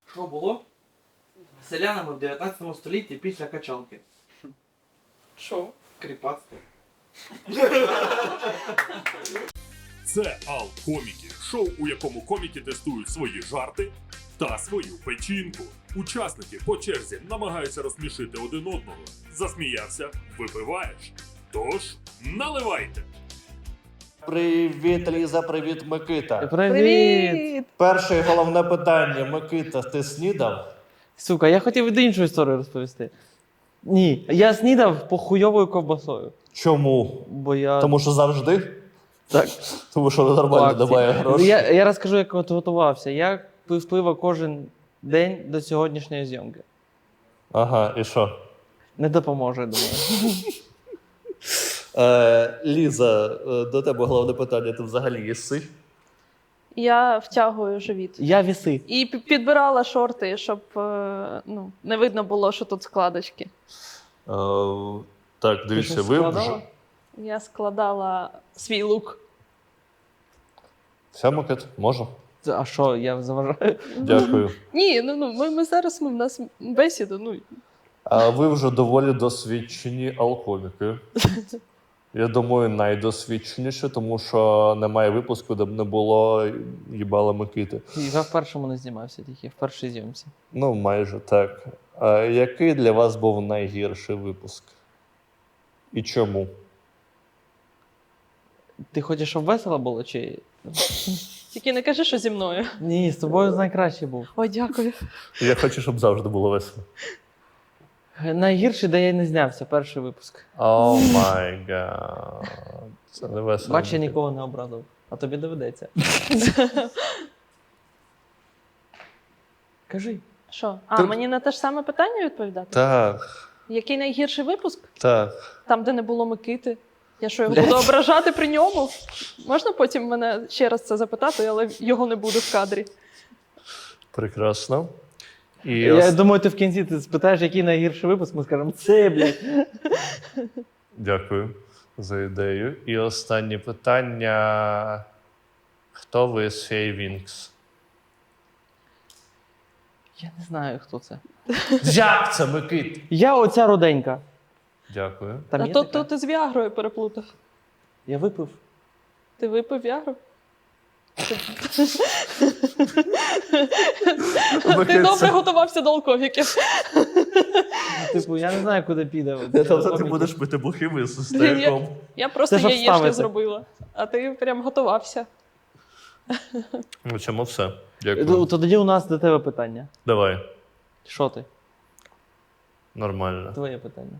Що було селянами в 19 столітті після качалки? Що? Кріпацтво. Це Ал-Коміки, шоу, у якому коміки тестують свої жарти та свою печінку. Учасники по черзі намагаються розсмішити один одного. Засміявся – випиваєш. Тож, наливайте! Привіт, Ліза, привіт, Микита. Привіт! Перше і головне питання. Микита, ти снідав? Сука, я хотів від іншу історію розповісти. Ні, я снідав похуйовою ковбасою. Чому? Бо я. Тому що завжди? Так. Тому що нормально немає грошей. Я розкажу, як от готувався. Я пив пиво кожен день до сьогоднішньої зйомки. Ага, і що? Не допоможе, я думаю. Ліза, до тебе головне питання. Ти взагалі їси? Я втягую живіт. Я віси. І підбирала шорти, щоб не видно було, що тут складочки. Так, дивіться, щось ви складала? вже... Я складала свій лук. Все, Микит, можу? А що, я заважаю? Дякую. Ні, ми зараз в нас бесіда. А ви вже доволі досвідчені алкоміки. Я думаю, найдосвідченіші, тому що немає випуску, де б не було їбала Микити. Я в першому не знімався, тільки в першій зйомці. Ну, майже так. А який для вас був найгірший випуск? І чому? Ти хочеш, щоб весело було, чи. Тільки не кажи, що зі мною. Ні, з тобою найкраще був. Ой, дякую. Я хочу, щоб завжди було весело. Найгірший, де я не знявся, перший випуск. О май гад. Це не весело. Бач, я нікого не образив. А тобі доведеться. Кажи. Що? А, мені на те ж саме питання відповідати? Так, Який найгірший випуск? так. Там, де не було Микити. Я що, його буду ображати при ньому? Можна потім мене ще раз це запитати, але його не буде в кадрі. Прекрасно. І Я думаю, ти в кінці ти спитаєш, який найгірший випуск, ми скажемо, це, блядь. Дякую за ідею. І останнє питання. Хто ви з Фей Вінкс? Я не знаю, хто це. Як це, Микит? Я оця руденька. Дякую. Там А є то така? ти з Віагрою переплутав. Я випив. Ти випив Віагру? Ти добре готувався до алкоголіків. Типу, я не знаю, куди піде. Тобто ти будеш пити бухими з стояком. Я просто Це щоб яєчню вставити. зробила, а ти прям готувався. Ну, чому все? То Дякую. тоді у нас до тебе питання. Давай. Що ти? Нормально. Твоє питання.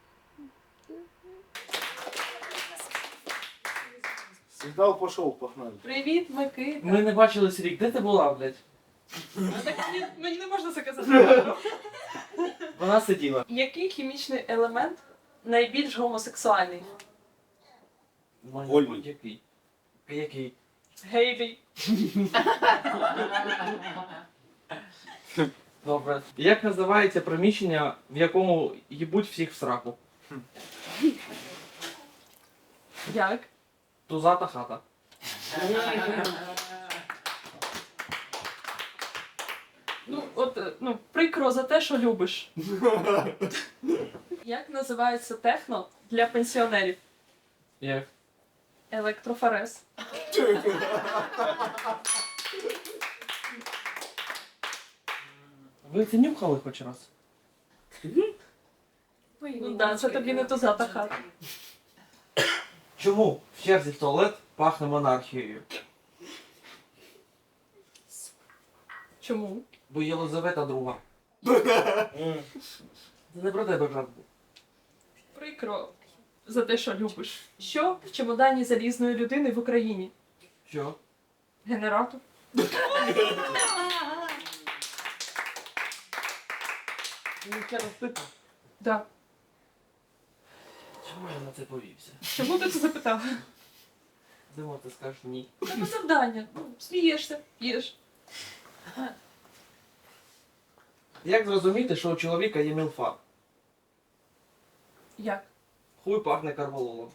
Сигнал пішов, погнали. Привіт, Микита. Ми не бачились рік. Де ти була, блядь? Мені не можна це казати. Вона сиділа. Який хімічний елемент найбільш гомосексуальний? Вольний. Який? Який? Гейлі. Добре. Як називається приміщення, в якому їбуть всіх в сраку? Як? Тузата хата. Прикро за те, що любиш. Як називається техно для пенсіонерів? Як? Електрофорез. Ви це нюхали хоч раз? Ну да, це тобі не тузата хата. Чому в черзі в туалет пахне монархією? Чому? Бо Єлизавета друга. Це не про тебе жарт був. Прикро за те, що любиш. Що в чемодані залізної людини в Україні? Що? Генератор. Ну, ще раз питав. Да. Чому я на це повівся? Чому ти це запитав? Думав, ти скажеш ні. Це завдання. Смієшся, їш. Як зрозуміти, що у чоловіка є мілфа? Як? Хуй пахне карвалолом.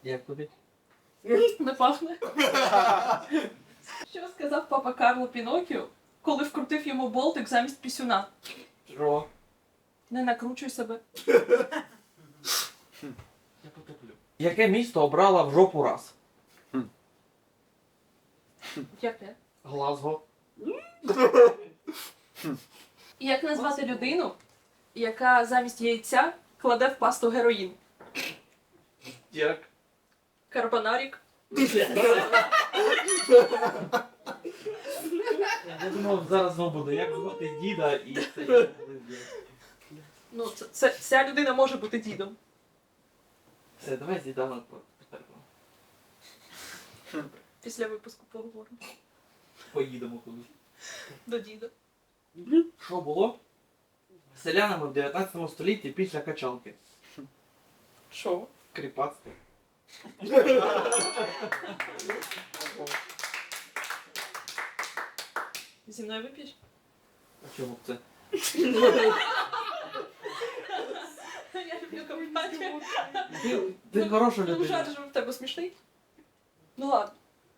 Як тобі? Не пахне. Що сказав папа Карло Пінокіо, коли вкрутив йому болтик замість пісюна? Що? Не накручуй себе. Я потоплю. Яке місто обрала в жопу раз? Яке? Глазго. І як назвати людину, яка замість яйця кладе в пасту героїн? Як? Карбонарік. Я думав, зараз знову буде. Як звати діда і це. Ну, ця людина може бути дідом. Все, давай з дідами Після випуску поговоримо. поїдемо кудись. До діда. Що було з селянами в 19 столітті після качалки? Що? Кріпацтво. Зі мною вип'єш? А чому б це? Я люблю компанію. Ти хороша Ну, людина. жарт же в тебе смішний. Ну ладно.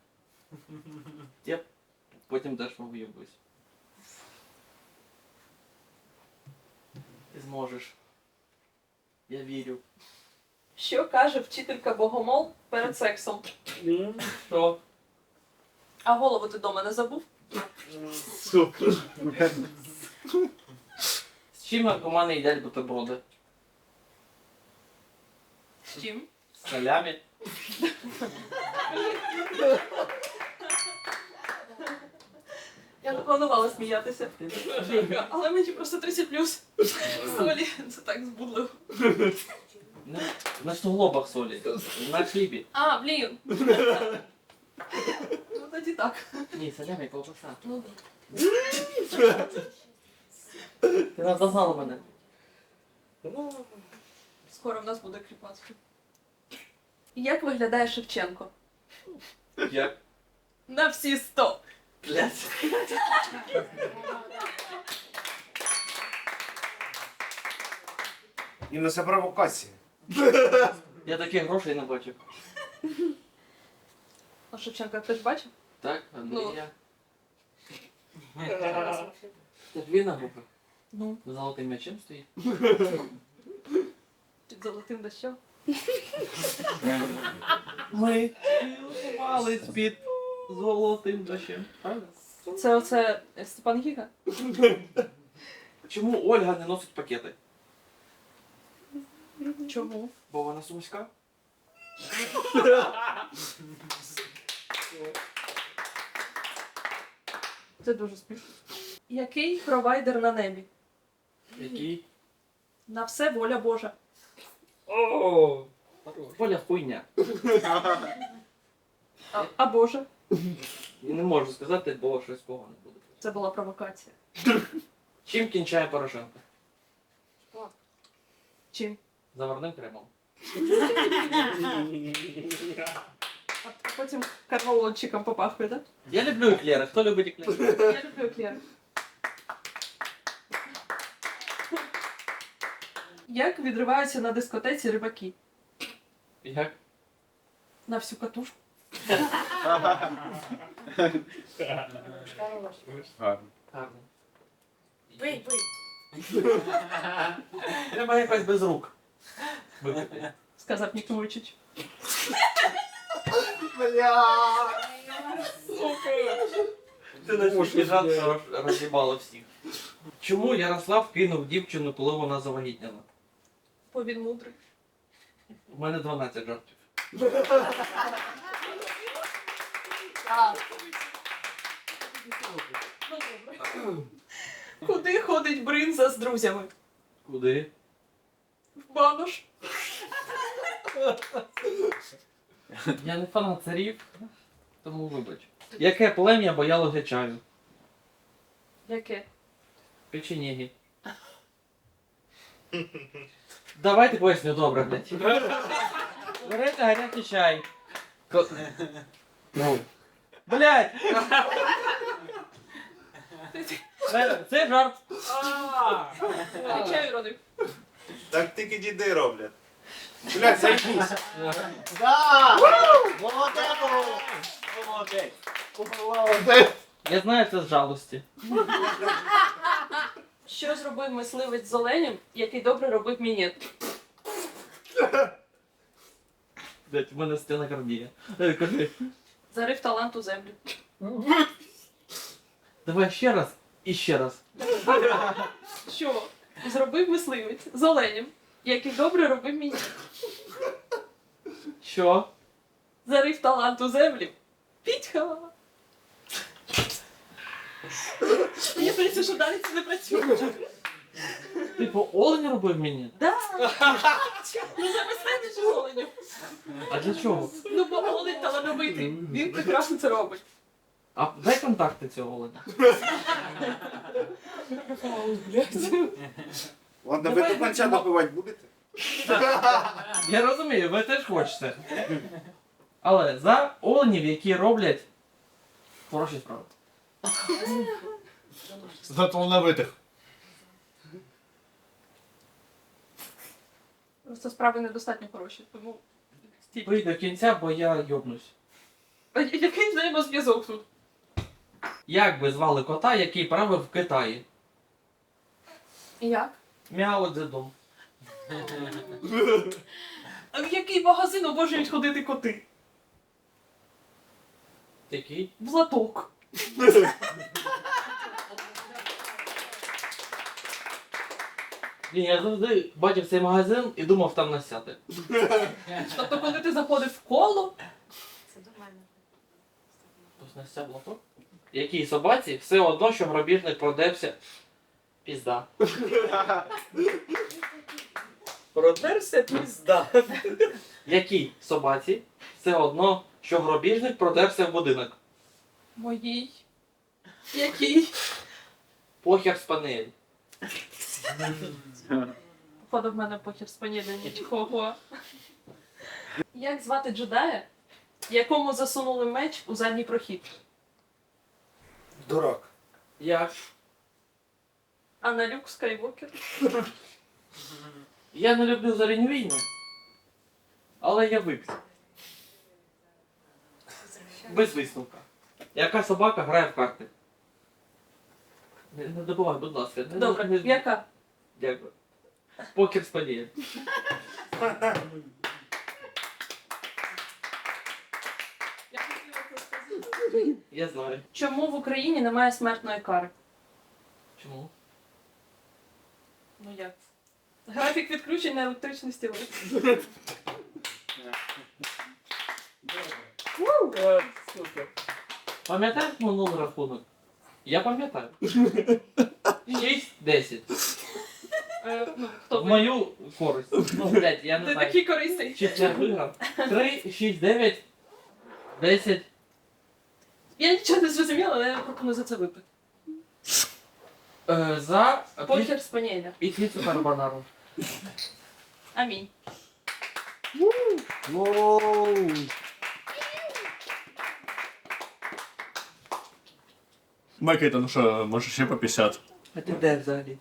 Я потім теж виїбусь. Ти зможеш. Я вірю. Що каже вчителька Богомол перед сексом? Що? А голову ти дома не забув? З чим наркомани їдять бутерброди? З чим? З солями? Я не планувала сміятися. Але мені просто 30+. Солі, це так збудливо. На суглобах солі. На хлібі. А, блін. Ну тоді так. Ні, солями ковбаса. Ну, Ти наздогнала мене. скоро в нас буде кріпацтво. Як виглядає Шевченко? Як? На всі 100. Блядь. Інна, це провокація. Я таких грошей не бачив. А Шевченка хтось бачив? Так? Ну. Я. Це ж вільна група. Ну, З золотим м'ячем стоїть. під золотим дощом. Ми цілувались під золотим дощем. Правда? Це оце Степан Гіга? Чому Ольга не носить пакети? Чому? Бо вона сумська? Це дуже смішно. Який провайдер на небі? Який? На все воля Божа. Оля хуйня. А Божа? Я не можу сказати, бо щось погано буде. Це була провокація. Чим кінчає Порошенко? Чим? Заварним кремом. А потім карвалончиком попахує, так? Я люблю еклери. Хто любить еклери? Я люблю еклери. Як відриваються на дискотеці рибаки? Як? На всю катушку. Гарно. Бий. Треба якось без рук. Випити. Сказав Нік Вуйчич. Ти настільки жарт, що роз'їбало всіх. Чому Ярослав кинув дівчину, коли вона завагітняла? Бо він мудрий. У мене 12 жартів. Ну, добре. Куди ходить бринза з друзями? Куди? В банош. Я не фанат царів, тому вибач. Яке плем'я боялося чаю? Яке? Печеніги. Давайте поясню добре, блядь. Берете гарячий чай. Ну. Блядь! Це жарт. Чаю родив. Так тільки діди роблять. Блядь, заебись. Да! Молодець! Молодець! Я знаю це з жалості. Що зробив мисливець з оленем, який добре робив мінет? Блять, в мене стенокардія. Кажи. Зарив талант у землю. Давай ще раз і ще раз. Що зробив мисливець з оленем, який добре робив мінет? Що? Зарив талант у землю. Пітьха. Мені здається, що далі це не працює. Типу, олень робив мені? Да. Ну замислити ж оленю. А для чого? Ну бо олень талановитий. Він прекрасно це робить. А дай контакти цього оленя. Ладно, ви до кінця добивати будете? Я розумію, ви теж хочете. Але за оленів, які роблять хороші справи. За талановитих. Просто справи недостатньо хороші, тому стій. Пий до кінця, бо я йобнусь. А який взаємозв'язок тут? Як би звали кота, який правив в Китаї? Як? Мяо Цзедун. А в який магазин обожнюють ходити коти? Який? В лоток. Блін, я завжди бачив цей магазин і думав там насяти. Тобто, коли ти заходив в коло, Хтось насяв лоток? Якій собаці все одно, що грабіжник продався. Пізда. Продерся пізда. Якій собаці все одно, що грабіжник продався в будинок. моїй. Який? Похер спанель. Походу в мене похер спаніля нічого. Як звати джедая, якому засунули меч у задній прохід? Дурак. Як? Аналюк Скайвокер. Я не люблю зоряні війни, але я вип'ю. Без висновка. Яка собака грає в карти? Не добувай, будь ласка. Добре, яка? Дякую. Покер спанель. Я хотіла це сказати. Я знаю. Чому в Україні немає смертної кари? Чому? Ну як? Графік відключення електричної стіли. Пам'ятаєш минулий рахунок? Я пам'ятаю. 6-10. Ну, хто В ви? мою користь. Ну, блядь, я не Ти знаю. такий корисний. Чи я виграв? 3, 6, 9, 10. Я нічого не зрозуміла, але я пропоную за це випити. За Покер спаніля. і піцу карбонару. Амінь. Микита, ну що, може ще по 50? А ти де взагалі?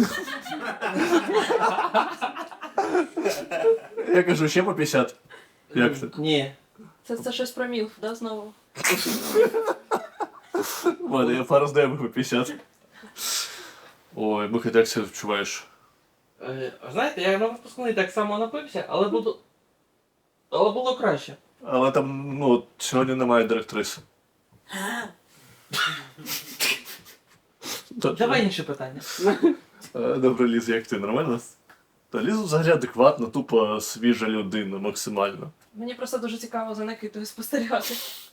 Я кажу, ще по 50. Як це? Ні. Це щось про мілф, да, знову? Ладно, я пару знаю по 50. Ой, Микита, як себе відчуваєш? Знаєте, я на випускний так само напився, але було краще. Але там, ну, сьогодні немає директриси. Давай інше питання. Добре, Ліз, як ти? Нормально? Та Ліза взагалі адекватна, тупо свіжа людина, максимально. Мені просто дуже цікаво за Никитою спостерігати.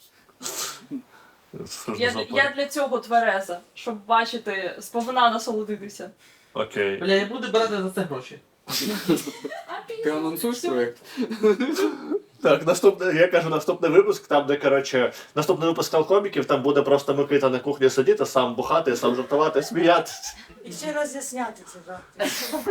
Схожу за Я для цього твереза, щоб бачити, сповна насолодитися. Окей. Бля, я буду брати за це гроші. Ти анонсуєш проєкт? Так, я кажу, наступний випуск, там, де, коротше, наступний випуск Алкоміків, там буде просто Микита на кухні сидіти, сам бухати, сам жартувати, сміятися. І ще роз'ясняти це завтра.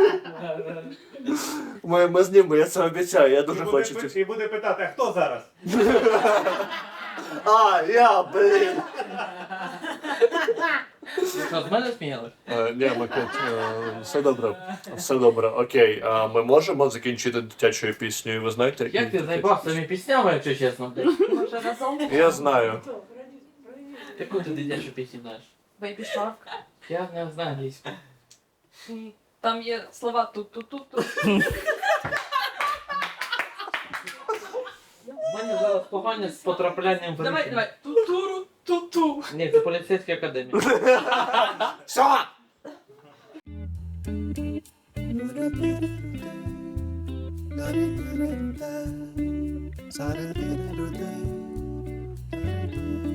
Ми знімемо, я це обіцяю, я дуже хочу. І буде питати, а хто зараз? А, я, блін. Що, з мене сміялись? Ні, Микит, все добре. Все добре. Окей, ми можемо закінчити дитячою піснею, ви знаєте? Як ти заїбав своїми піснями, якщо чесно, блядь? Може разом? Я знаю. Яку ти дитячу пісню знаєш? Бейбі Шарк. Я не знаю англійську. Ні. Там є слова тут-тут-тут. У мене зараз погано з потраплянням в Давай, ритм. давай. Ту-туру, ту-ту. Ні, це поліцейська академія. Що? Sa-da-da-da-da-da.